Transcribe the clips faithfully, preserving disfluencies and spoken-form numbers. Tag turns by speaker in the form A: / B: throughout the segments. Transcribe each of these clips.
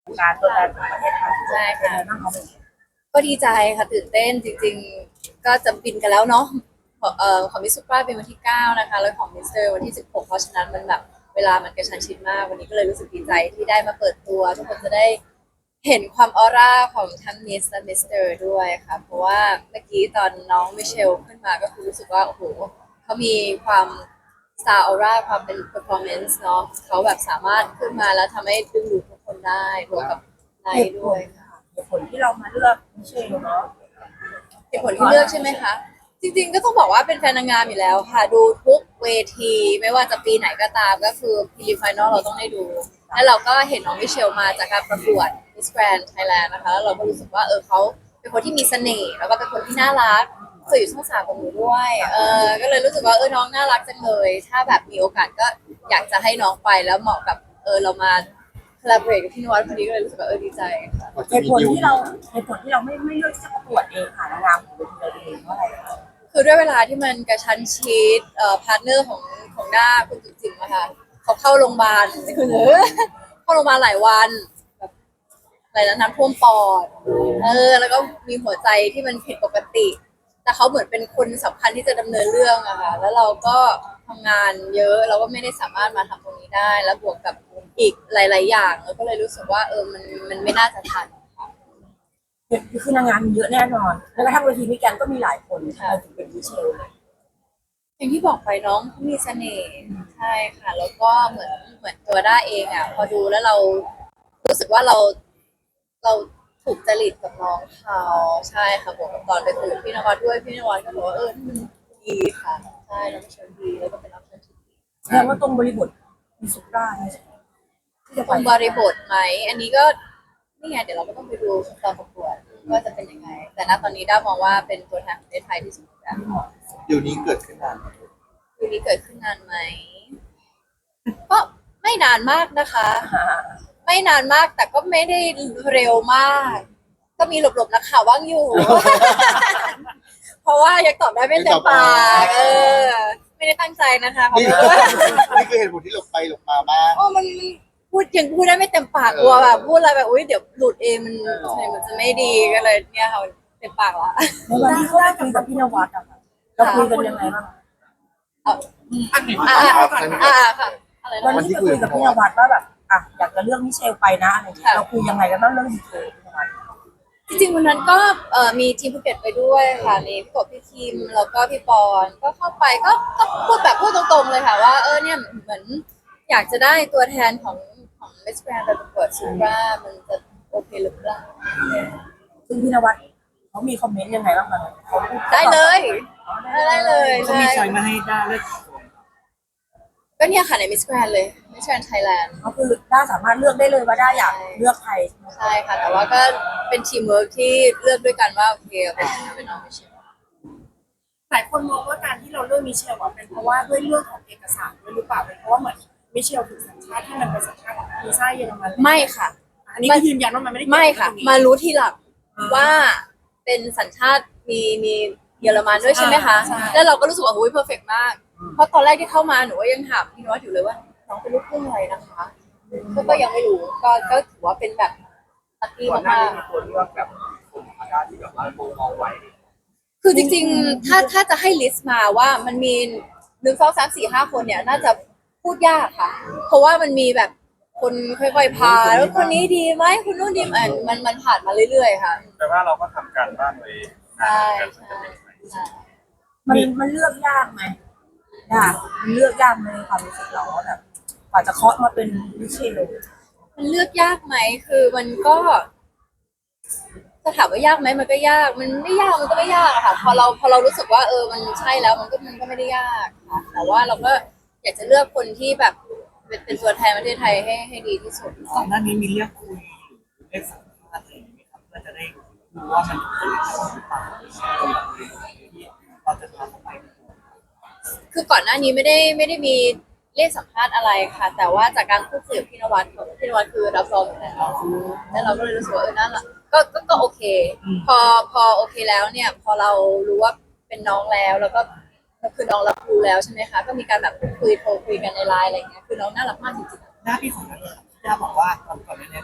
A: การตัวแทนของประเทศไทย
B: ใช่ค่ะ
A: นั่งเขาเป็น
B: ก็ดีใจค่ะตื่นเต้นจริงๆก็จะบินกันแล้วเนาะของเอ่อของมิสซูปราเป็นวันที่เก้านะคะแล้วของมิสเตอร์วันที่สิบหกเพราะฉะนั้นมันแบบเวลามันกระชั้นชิดมากวันนี้ก็เลยรู้สึกดีใจที่ได้มาเปิดตัวทุกคนจะได้เห็นความออร่าของทั้งมิสและมิสเตอร์ด้วยค่ะเพราะว่าเมื่อกี้ตอนน้องมิเชลขึ้นมาก็คือรู้สึกว่าโอ้โหเขามีความ star aura ความเป็น performance เนาะเขาแบบสามารถขึ้นมาแล้วทำให้ดึงดูดทุกคนได้รวมกับไนท์ด้วยค่ะ
A: เหตุผลที่เรามาเลือกมิเชลเนาะ
B: เหตุผลที่เลือกใช่ไหมคะ จริงๆก็ต้องบอกว่าเป็นแฟนนางงามอยู่แล้วค่ะ ดูทุกเวทีไม่ว่าจะปีไหนก็ตามก็คือพรีลิมไฟนอลเราต้องได้ดู แล้วเราก็เห็นน้องมิเชลมาจากการประกวด Miss Grand Thailand นะคะแล้วเราก็รู้สึกว่าเออเขาเป็นคนที่มีเสน่ห์แล้วก็เป็นคนที่น่ารักเคยอยู่ช่องสามกับหนูด้วยเออก็เลยรู้สึกว่าเออน้องน่ารักจังเลยถ้าแบบมีโอกาสก็อยากจะให้น้องไปแล้วเหมาะกับเออเรามา collaborate กับพี่นวัดพอดีก็เลยรู้สึกว่าเออดีใจค่ะ
A: เหตุผลที่เราเหตุผลที่เราไม่ไม่เลือกที่จะประกวดเองค่ะนางงามของเวทีเราเองเพราะอะไรคะ
B: คือด้วยเวลาที่มันกระชั้นชิดเอ่อพาร์ทเนอร์ของของด้าคุณจุ๋มจิ๋มอะค่ะเขาเข้าโรงพยาบาลคือเออเข้าโรงพยาบาลหลายวันแบบอะไรนะน้ำท่วมปอดเออแล้วก็มีหัวใจที่มันผิดปกติ แต่เขาเหมือนเป็นคนสำคัญที่จะดำเนินเรื่องอะค่ะแล้วเราก็ทำงานเยอะเราก็ไม่ได้สามารถมาทำตรงนี้ได้ แล้วบวกกับอีกหลาย ๆ อย่างเราก็เลยรู้สึกว่าเออมันมันไม่น่าจะทันค่ะ
A: คือนางงามมีเยอะแน่นอนแล้วกระทั่งเวทีมิแกรนด์ก็มีหลายคนค่ะถึงเป็นมิเชลเลย
B: อย่างที่บอกไปน้องเขามีเสน่ห์ใช่ค่ะแล้วก็เหมือนเหมือนตัวด้าเองอ่ะพอดูแล้วเรารู้สึกว่าเราเราถูกจริตกับน้องเขาใช่ค่ะบวกกับตอนไปคุยกับพี่นวัดด้วยพี่นวัดก็บอกว่าเออนี่มันดีค่ะใช่น้องเชลดีแล้วก็เป็นออปชั่นที่ดี
A: แสดงว่าตรงบริบทมีสุดได้ที่จะ
B: ต
A: ไป
B: รงบริบทไหมอันนี้ก็นี่ไงเดี๋ยวเราก็ต้องไปดูตอนประกวดว่าจะเป็นยังไงแต่ณตอนนี้ด้ามองว่าเป็นตัวแทนประเทศไทยที่สุดแล้ว
C: เดี๋ยวนี้เกิดขึ้นนานไหม
B: คืนนี้เกิดขึ้นนานไหมก็ไม่นานมากนะคะ ไม่นานมากแต่ก็ไม่ได้เร็วมาก ก็มีหลบๆนักข่าวว่างอยู่ เพราะว่ายังตอบได้ไม่เต็มปากเออ ไม่ได้ตั้งใจนะคะเพราะ
C: นี่
B: ว่า
C: นี่คือเหตุผลที่หลบไปหลบมาบ้าง
B: โอ้มันพูดยังพูดได้ไม่เต็มปากกลัวแบบพูดอะไรแบบอุ้ยเดี๋ยวหลุดเองมันมันจะไม่ดีก็เลยเนี่ยค่ะเต็มปากละ
A: ในวันที่เขาได้คุยกับพี่นวัดอะค่ะเราคุยกันยังไงบ้าง
B: เอาอ่าอ่าอ่าค่ะอะไร
A: วัน
B: นะ
A: ที่ไปคุยกับพี่นวัดว่าแบบอ่ะอยากจะเลือกมิเชลไปนะอะไรอย่างเงี้ยเราคุยยังไงกันบ้างเรื่องดีเทลพี่นวัด
B: จริงๆวันนั้นก็เอ่อมีทีมภูเก็ตไปด้วยค่ะมีพี่กบพี่ทีมแล้วก็พี่ปอนก็เข้าไปก็ก็พูดแบบพูดตรงๆเลยค่ะว่าเออเนี่ยเหมือนอยากจะได้ตัวแทนของของมิสแกรนด์ไปประกวดซูปรามันจะโอเคหรือเปล่า
A: ซึ่งพี่นวัดเขามีคอมเมนต์ยังไงบ้างคะเขาพูด
B: ได้เลยได้เลย
D: เขามีชอยมาให้ด้าเลือก
B: ก็เนี่ยค่ะในมิสแกรนด์เลยมิสแกรนด์ไทยแลนด์
A: ก็คือด้าสามารถเลือกได้เลยว่าด้าอยากเลือกใคร
B: ใช่ค่ะแต่ว่าก็เป็นทีมเวิร์กที่เลือกด้วยกันว่าโอเคเอาเป็นเป็นน้องมิเชล
E: หลายคนมองว่าการที่เราเลือกมิเชลอะเป็นเพราะว่าด้วยเรื่องของเอกสารด้วยหรือเปล่าเป็นเพราะว่าเหมือนมิเชลถูกสัญชาติที่มันเป็นสัญชาติวีซ่าเยอรมัน
B: ไม่ค่ะ
E: อันนี้ก็ยืนยันว่ามันไม่ได้เกี่ยว
B: ไม่
E: กับ
B: ค่ะ
E: ตรงนี้
B: มารู้ทีหลังว่าเป็นสัญชาติมีมีเยอรมันด้วยใช่ไหมคะ
E: ใช่
B: แล้วเราก็รู้สึกว่าโอ้ยเพอร์เฟกมาก เพราะตอนแรกที่เข้ามาหนูก็ยังถามพี่นวัดอยู่เลยว่าน้องเป็นลูกครึ่งอะไรนะคะก็ก็ยังไม่รู้ก็ก็ถือว่าเป็นแบบลัคกี้
D: ก่อนหน้าม
B: าก
D: นี้มีคนเลือกแบบกลุ่มอาการที่แบบว่าโมมองไว้
B: ๆคือจริงๆถ้าถ้าจะให้ลิสต์มาว่ามันมีหนึ่งสองสามสี่ห้าคนเนี่ยน่าจะพูดยากค่ะ เพราะว่ามันมีแบบคนค่อยๆพาแล้วคนนี้ดีไหมคนนู้นดีไหมมันมันผ่านมาเรื่อยๆค่ะ
D: แต่ว่าเราก็ทำการบ้านไว้
B: ใช่ใช่ใช่
A: มันมันเลือกยากไหมยากมันเลือกยากไหมในความรู้สึกเราว่าแบบกว่าจะเคาะมาเป็นมิเชล
B: มันเลือกยากไหมคือมันก็จะถามว่ายากไหมมันก็ยาก มันไม่ยากมันก็ไม่ยากอะค่ะ พอเราพอเรารู้สึกว่าเออมันใช่แล้วมันก็มันก็ไม่ได้ยากค่ะแต่ว่าเราก็อยากจะเลือกคนที่แบบเป็นเป็นตัวแทนประเทศไทยให้ให้ดีที่สุด
D: ก่อนหน้านี้มีเรียกคุยหรือเรียกสัมภาษณ์อะไรอย่างเงี้ยครับเพื่อจะได้รู้ว่ามันเป็นหรือเปล่าที่เราจะทำไป
B: คือก่อนหน้านี้ไม่ได้ไม่ได้มีเรียกสัมภาษณ์อะไรค่ะ แต่ว่าจากการพูดคุยกับพี่นวัดพี่นวัดคือรับรองอยู่แล้วแล้วเราก็เลยรู้สึกว่าเออนั่นแหละก็ก็ก็โอเค พอพอโอเคแล้วเนี่ย พอเรารู้ว่าเป็นน้องแล้วแล้วก็คือน้องรับรู้แล้วใช่ไหมคะก็มีการแบบพูดคุยโทรคุยกันในไลน์อะไรอย่างเงี้ยคือน้องน่ารักมากจริงๆ
D: หน้าพี่ของเราเนี่ยด้าบอกว่าตอนก่อนหน้านี้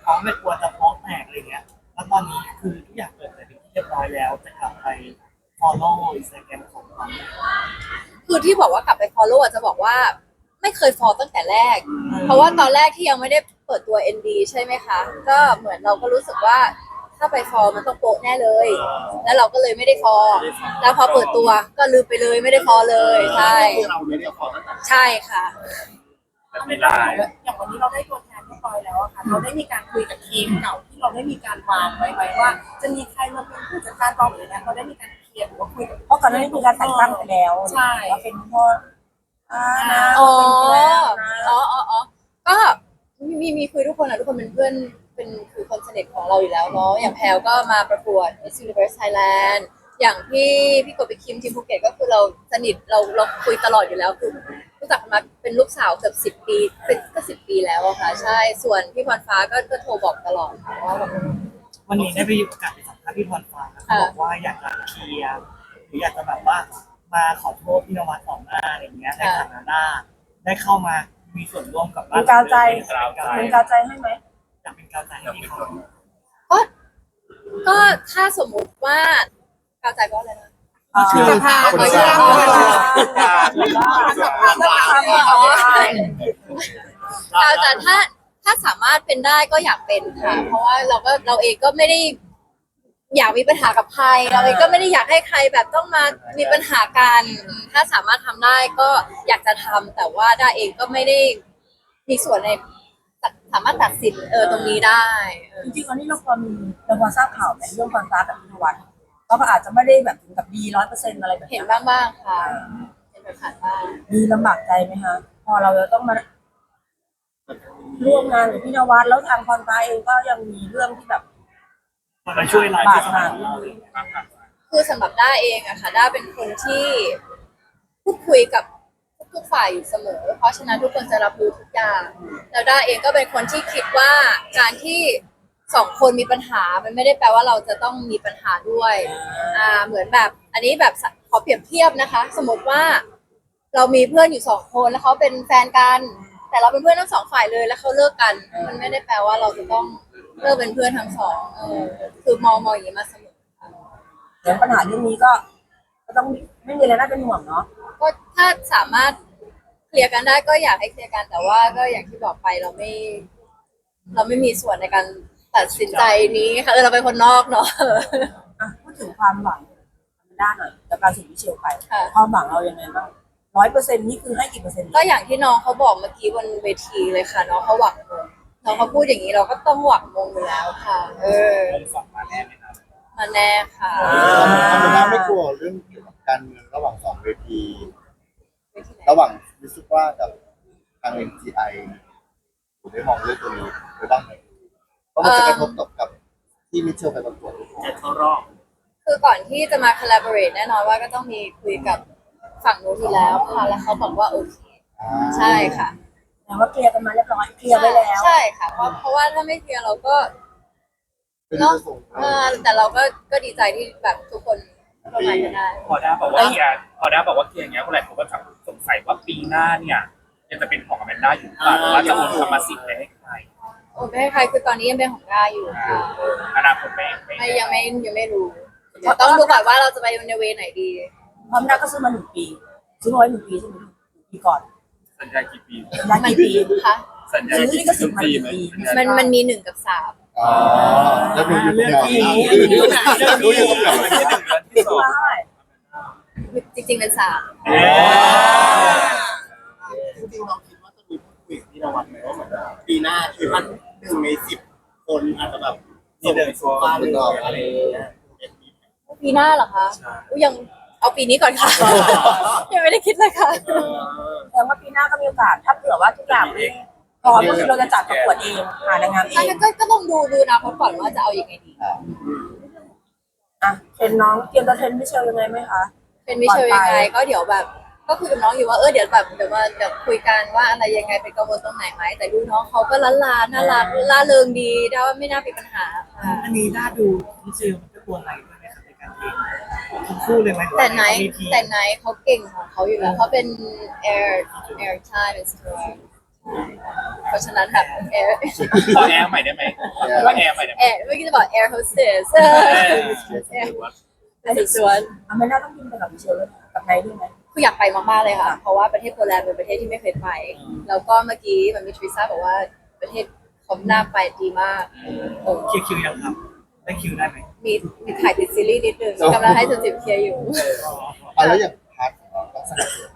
D: น้องไม่กลัวจะฟ้องแตกอะไรเงี้ยแล้วตอนนี้คือทุกอย่างเปิดแต่เป็นที่เรียบร้อยแล้วจะกลับไป follow Instagram ของน้อง
B: คือที่บอกว่ากลับไป follow อ่ะจะบอกว่าไม่เคย follow ตั้งแต่แรก เพราะว่าตอนแรกที่ยังไม่ได้เปิดตัว เอ็น ดี ใช่ไหมคะ ก็เหมือนเราก็รู้สึกว่าถ้าไป follow มันต้องโป๊ะแน่เลย แล้วเราก็เลยไม่ได้ follow แล้วพอเปิดตัวก็ลืมไปเลยไม่ได้ follow เลยใช่
C: เราไม่ได้ขอตั้งแต่
B: ใช่ค่ะ
E: ไม่ได้อย่างวันนี้เราได้ตัวแทนเรียบร้อยแล้วอะค่ะเราได้มีการคุยกับทีมเก่าที่เราได้มีการวางไว้ไหมว่า จะมีใครมาเป็นผู้จัดการกองหรืออะไรเราได้มีการเคลียร์หรือว่าคุยกับ
A: เพราะก่อนหน้านี้มีการแต่งตั้งไปแล้ว
E: ใช่
A: ว่าเป็นพ่ออ่านะ
B: อ๋อ
A: เป็นไปแล้วนะ
B: อ๋ออ๋ออ๋อก็มีมีมีคุยทุกคนอะทุกคนเป็นเพื่อนเป็นคือคนสนิทของเราอยู่แล้วเนาะอย่างแพลก็มาประกวด Miss Universe Thailand อย่างพี่พี่กบไปคิมทีมภูเก็ตก็คือเราสนิทเราเราคุยตลอดอยู่แล้วคือรู้จักกันมาเป็นลูกสาวเกือบสิบปีเป็นก็สิบปีแล้วอะค่ะใช่ส่วนพี่พรฟ้าก็ก็โทรบอกตลอดค่ะว่าแบบ
D: วันนี้ได้ไปโอกาสไปสัมภาษณ์พี่พรฟ้าเขาบอกว่าอยากจะเคลียร์หรืออยากจะแบบว่ามาขอโทษพี่นวัดต่อหน้าอะไรอย่างเงี้ยในฐานะหน้าได้เข้ามามีส่วนร่วมกับบ้าน
A: เป็นกาวใจ
D: เป็
A: เป็น น
D: กาวใจ
A: กาวใจให้ไหม
D: อยากเป็นกาวใจให้พี่เขา
B: ก็ก็ถ้าสมมุติว่าก้าวใจก็อะไรนะ
C: คือ
B: สภา
C: คน
B: ก็
C: ส
B: ยั
C: ร้าง
B: งก้าวใจถ้าถ้าสามารถเป็นได้ก็อยากเป็นค่ะ เพราะว่าเราก็เราเองก็ไม่ได้ อยากมีปัญหากับใครเราเองก็ไม่ได้อยากให้ใครแบบต้องมามีปัญหากันอืมถ้าสามารถทำได้ก็อยากจะทำแต่ว่าได้าเองก็ไม่ได้มีส่วนในสามารถตัดสินเออตรงนี้ได้เออ
A: จริงๆตอนนี้เราพอมีเราพอทราบข่าวไหมเรื่องความรักกับพิธวัฒน์เราก็อาจจะไม่ได้แบบถึงกับดีร้อยเปอร์เซ็นต์อะไรแบบ
B: เห็น
A: นี้
B: บ้างบ้างๆค่ะเห็นผ่านๆบ้าง
A: มีลำบากใจไหมคะพอเราจะต้องมาร่วมงานกับพี่นวัดแล้วทางพรฟ้าเองก็ยังมีเรื่องที่แบบ
D: มาช่วยไลฟ์
A: บา
D: ที่
A: ด
D: ส
A: ห
D: มั
A: มาง
B: คือสำหรับด้าเองอะค่ะด้าเป็นคนที่พูดคุยกับทุกๆฝ่ายอยู่เสมอ เพราะฉะนั้นทุกคนจะรับรู้ทุกอย่างแล้วด้าเองก็เป็นคนที่คิดว่าการที่สองคนมีปัญหามันไม่ได้แปลว่าเราจะต้องมีปัญหาด้วยอ่าเหมือนแบบ อันนี้แบบขอเปรียบเทียบนะคะ สมมติว่าเรามีเพื่อนอยู่สองคนแล้วเขาเป็นแฟนกัน แต่เราเป็นเพื่อนทั้งสองฝ่ายเลยแล้วเขาเลิกกัน มันไม่ได้แปลว่าเราจะต้องเลิกเป็นเพื่อนทั้งสองเออคือมองมองอย่างนี้มาเสมอค่ะ
A: เดี๋ยวปัญหาเรื่องนี้ก็ ก็ต้องไม่มีอะไรน่าเป็นห่วงเนาะ
B: ก็ถ้าสามารถเคลียร์กันได้ก็อยากให้เคลียร์กันแต่ว่าก็อย่างที่บอกไปเราไม่ เราไม่มีส่วนในการตัดสินใจนี้ค่ะเออเราเป็นคนนอกเนาะ
A: อ่ะพูดถึงความหวังด้านหน่อยจากการส่งมิเชลไป
B: ค่ะ
A: ความหวังเรายังไงบ้างร้อยเปอร์เซ็นต์นี่คือให้กี่เปอร์เซ็นต์
B: ก็อย่างที่น้องเขาบอกเมื่อกี้บนเวทีเลยค่ะน้องเขาหวังมงน้องเขาพูดอย่างนี้เราก็ต้องหวังมงอยู่แล้วค่ะ เออมาแน่ค่ะ
C: ธรรมดาไม่กลัวเรื่องเกี่ยวกับการเมืองระหว่างสองเวที
B: เวทีไหน
C: ระหว่างมิสว่ากับทาง เอ็ม จี ไอ คุณได้มองเรื่องตัวนี้ไว้บ้างไหมเพราะมันจะกระทบกับกับที่มิเชลไปประกวด
D: จะเข้ารอบ
B: คือก่อนที่จะมา collaborate แน่นอนว่าก็ต้องมีคุยกับฝั่งนู้นอยู่แล้วค่ะแล้วเขาบอกว่าโอเคใช่ค่ะ
A: แต่ว่าเคลียร์กันมาเรียบร้อยเคลียร์ไว้แล้ว
B: ใช่ค่ะเพราะเพราะว่าถ้าไม่เคลียร์เราก็
C: เป็น
B: เนาะ
C: จะส่ง
B: เออแต่เราก็ก็ดีใจที่แบบทุกคนร่วมงานกันได้
F: พอด้าบอกว่าเคลียร์พอด้าบอกว่าเคลียร์อย่างเงี้ยคนหลายคนก็สงสัยว่าปีหน้าเนี่ยยังจะเป็นของอแมนด้าอยู่หรือเปล่าหรือว่าจะโอนกรรมสิทธิ์ไปให้ใคร
B: โอ้ไม่ให้ใครคือตอนนี้ยังเป็นของด้าอยู่ค่ะ
F: อนาคตไม่ไม่
B: ไม่ยังไม่ยังไม่รู้เดี๋ยวต้องดูก่อนว่าเราจะไปในเวไหนดี
A: พร้อมได้ก็ซื้อมาหนึ่งปี ซื้อมาไว้หนึ่งปีใช่ไหมหนึ่งปีก่อน
F: สัญญากี่ปี
A: ได้
B: มัน
A: กี่ปี
B: ค่ะ
F: สัญญา
A: ซื้อ
F: กี่
A: นี่ก็สิบมา
F: ปี
A: กี่
F: ไหม
A: ปี
B: มันมันมีหนึ่งกับสาม
C: อ๋อแล้วดูอยู่ตรงไหน
F: เรื่องนี้อยู่ตรงไหนที่หนึ่งและที่สอง
A: ซื้อมาเท่าไหร่
B: จริงๆเป็นสาม
F: เอ๊ะ
G: จริงๆเราคิดว่าจะมีพูดคุยกับพี่นวัดไหมว่าเหมือนปีหน้าคือมันหนึ่งในสิบคนอาจจะแบบส่งไปสู่บ้านเลยอะไรอย่างเงี้ย
B: ปีหน้าเหรอคะอุ๊ยยังเอาปีนี้ก่อนค่ะ ยังไม่ได้คิดเลยค่ะ
A: แสดงว่าปีหน้าก็มีโอกาสถ้าเผื่อว่าทุกอย่างไม่พร้อมก็คือเราจะจัดประกวดเองหานางงามเอ
B: อัน
A: ง
B: นั้นก็ก็ต้องดูดูนะเพราะก่อนว่าจะเอายังไงดี
A: อ่ะเป็นน้องเตรียมจะเทรนมิเชลยังไงไหมคะ
B: เป็นมิเชลยังไงก็เดี๋ยวแบบ ก็คุยกับน้องอยู่ว่าเออเดี๋ยวแบบเดี๋ยวมาเดี๋ยวคุยกันว่าอะไรยังไงเป็นกังวลตรงไหนไหมแต่ดูน้องเขาก็ล้านลาน่ารักล่าเริงดีได้ว่าไม่น่ามีปัญหาค่ะ
D: อันนี้น่าดูมิเชลมันก็ตัวไหนด้วยไหมครับในการเองทั้งคู่เลยไหม
B: แต่ไหน
D: มีทีม
B: แต่ไหนเขาเก่งของเขาอยู่แล้วเขาเป็น air air time is เพราะฉะนั้นแบบแอร์
F: ขอแอร์ใหม่ได้ไหมว่าแอร์ใหม่ได้ไหม
B: แอร์เมื่อกี้จะบอกแอร์โฮสเตสเป็นสวน
A: อเมริกาต้องบินไปกับมิเชลด้วยนะกับไนท์ด้วยไหม
B: คืออยากไปมากๆเลยค่ะ เพราะว่าประเทศโปแลนด์เป็นประเทศที่ไม่เคยไป แล้วก็เมื่อกี้มันมีทริซ่าบอกว่าประเทศเขาหน้าไปดีมากโอ้
D: คิวคิวยังครับได้คิวได้ไหม
B: มีมีถ่ายติดซีรีส์นิดนึงกำลังให้จุดจิบเคลียร์อยู่
C: อ่ะแล้วอย่างพาร์ทของเราต้องสนับสนุนไหม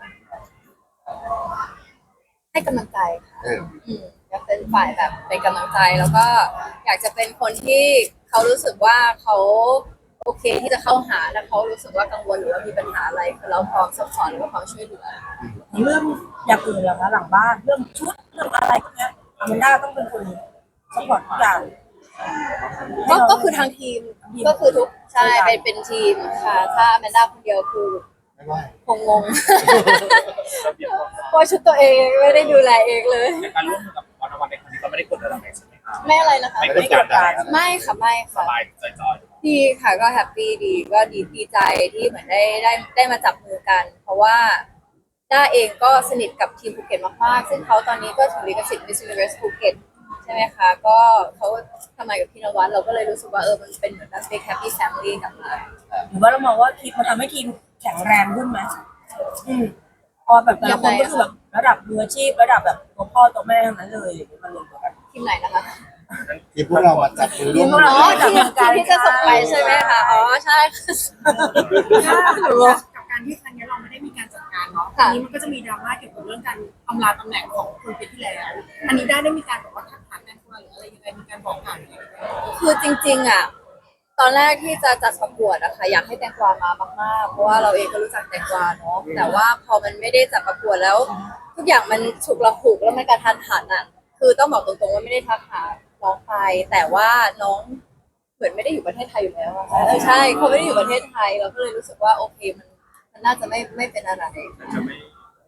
B: ให้กำลังใจค่ะ
C: เออ
B: อืมอยากเป็นฝ่ายแบบเป็นกำลังใจแล้วก็อยากจะเป็นคนที่เขารู้สึกว่าเขาโอเคที่จะเข้าหาถ้าเขารู้สึกว่ากังวลหรือว่ามีปัญหาอะไรคือเราพร้อมซัพพอร์ตหรือว่าพร้อมช่วยเหลือ
A: เรื่องอย่างอื่นเหรอคะหลังบ้านเรื่องชุดเรื่องอะไรพวกเนี้ยอเมริกาต้องเป็นคนซัพพอร์ตทุกอย่าง
B: ก็ก็คือทางทีมก็คือทุกใช่เป็นเป็นทีมค่ะ ถ้าแมนด้าคนเดียวคือ
C: ไม่ไหว
B: คงงงเพราะชุดตัวเองไม่ได้ดูแลเองเลย
F: ในการร่วมมือกับวันวันในครั้งนี้ก็ไม่ได้กดดันอะไรใช่ไหมครับ
B: ไม่อะไรนะคะ
F: ไม่ได้กดดัน
B: ไม่ค่ะไม่
F: ส
B: ค่ะ
F: บายจอย
B: ดีค่ะก็แฮปปี้ดีก็ดีดีใจที่เหมือนได้ได้ได้มาจับมือกัน เพราะว่าด้าเองก็สนิทกับทีมภูเก็ตมากๆซึ่งเขาตอนนี้ก็ถือลิขสิทธิ์ Miss Universe ภูเก็ตใช่ไหมคะก็เขาทำงานกับพี่นวัดเราก็เลยรู้สึกว่าเออมันเป็นเหมือนแบบ big happy family กลับมา
A: หรือว่าเรามองว่าทีมมันทำให้ทีมแข็งแรงขึ้นไหมอืมพอแบบแต่ละคนก็คือแบบระดับมืออาชีพระดับแบบตัวพ่อตัวแม่ทั้งนั้นเลยมารวมตัวกัน
B: ทีมไหนนะคะ
C: ที่พวกเรามาจับมือร่วม
A: พวกเรา
B: อ๋อทีมทีมที่จะส่งไปใช่ไหมคะอ๋อใช่ค่ะ
E: กับการที่ครั้งนี้เราไม่ได้มีการจัดการเนาะ
B: ค่ะ
E: ทีนี้มันก็จะมีดราม่าเกี่ยวกับเรื่องการอำลาตำแหน่งของคนปีที่แล้ว อันนี้ได้ได้มีการบอกว่าทักทายแม่ครัวหรืออะไรยังไงมีการบอกกล่าวยังไงไหม
B: คือจริงๆอ่ะตอนแรกที่จะจัดประกวดอะค่ะอยากให้แตงกวามามากๆเพราะว่าเราเองก็รู้จักแตงกวาเนาะแต่ว่าพอมันไม่ได้จัดประกวดแล้ว ทุกอย่างมันฉุกละหุกแล้วมันกระทันหันอ่ะคือต้องบอกตรงๆว่าไม่ได้ทักหาน้องไปแต่ว่าน้องเหมือนไม่ได้อยู่ประเทศไทยอยู่แล้วอะค่ะเออใช่เขาไม่ได้อยู่ประเทศไทยเราก็เลยรู้สึกว่าโอเคมันมันน่าจะไม่ไม่เป็นอะไร
F: จะไม่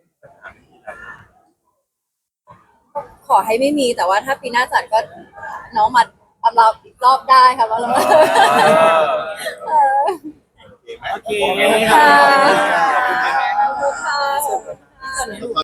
B: ก็ขอให้ไม่มีแต่ว่าถ้าปีหน้าจัดก็น้องมาอำลาอีกรอบได้ค่ะว่าเราเออ
D: โอเค
B: ค่ะ
C: ขอบคุณครับ
B: ขอบคุณค่ะ